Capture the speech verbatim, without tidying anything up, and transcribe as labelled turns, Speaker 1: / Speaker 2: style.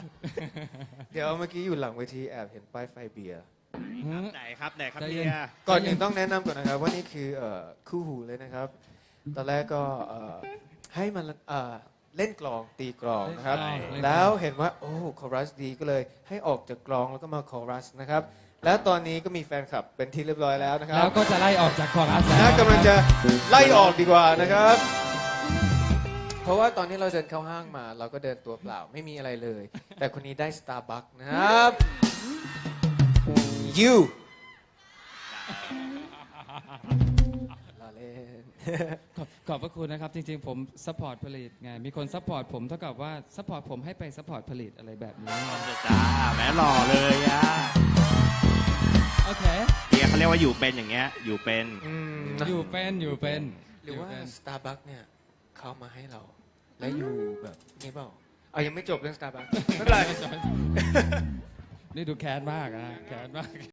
Speaker 1: เดี๋ยวเมื่อกี้อยู่หลังเวทีแอบเห็นป้ายไฟเบียร์
Speaker 2: ไหนครับไหนครับ
Speaker 3: ใจ
Speaker 2: เบี
Speaker 3: เย็น
Speaker 2: ยร์
Speaker 1: ก่อนอื่นต้องแนะนำก่อนนะครับว่านี่คือเอ่อคู่หูเลยนะครับ ตอนแรกก็เอ่อให้มันเอ่อเล่นกลองตีกลองนะครับ
Speaker 3: เล่นกลอง
Speaker 1: แล้วเห็นว่าโอ้คอรัสดีก็เลยให้ออกจากกลองแล้วก็มาคอรัสนะครับ แล้วตอนนี้ก็มีแฟนคลับเป็นที่เรียบร้อยแล้วนะครั
Speaker 3: แล้
Speaker 1: บ
Speaker 3: วก็จะไล่ออกจากคอรัส
Speaker 1: น่ากำลังจะไล่ออกดีกว่านะครับ เพราะว่าตอนนี้เราเดินเข้าห้างมา เราก็เดินตัวเปล่าไม่มีอะไรเลย แต่คนนี้ได้ Starbucks นะครับ you ล้อเล่น
Speaker 3: ขอบขอบพระคุณนะครับ จริงๆ ผมซัพพอร์ตผลิตไง มีคนซัพพอร์ตผมเท่ากับว่าซัพพอร์ตผมให้ไปซัพพอร์ตผลิตอะไรแบบนี้
Speaker 2: จ้าแหมหล่อเลยอ่ะ
Speaker 3: โอเค
Speaker 2: เบียร์เขาเรียกว่าอยู่เป็นอย่างเงี้ยอยู่เป็น
Speaker 1: อืม
Speaker 3: อยู่เป็นอยู่เป็น
Speaker 1: หรือว่า
Speaker 3: ยู่เป็น
Speaker 1: Starbucks เนี่ยเขามาให้เรา แล้วอยู่แบบนี้เปล่าเอายังไม่จบเรื่อง Starbucks ไม่เป็นไร
Speaker 3: นี่ดูแค้นมากอะแค้นมาก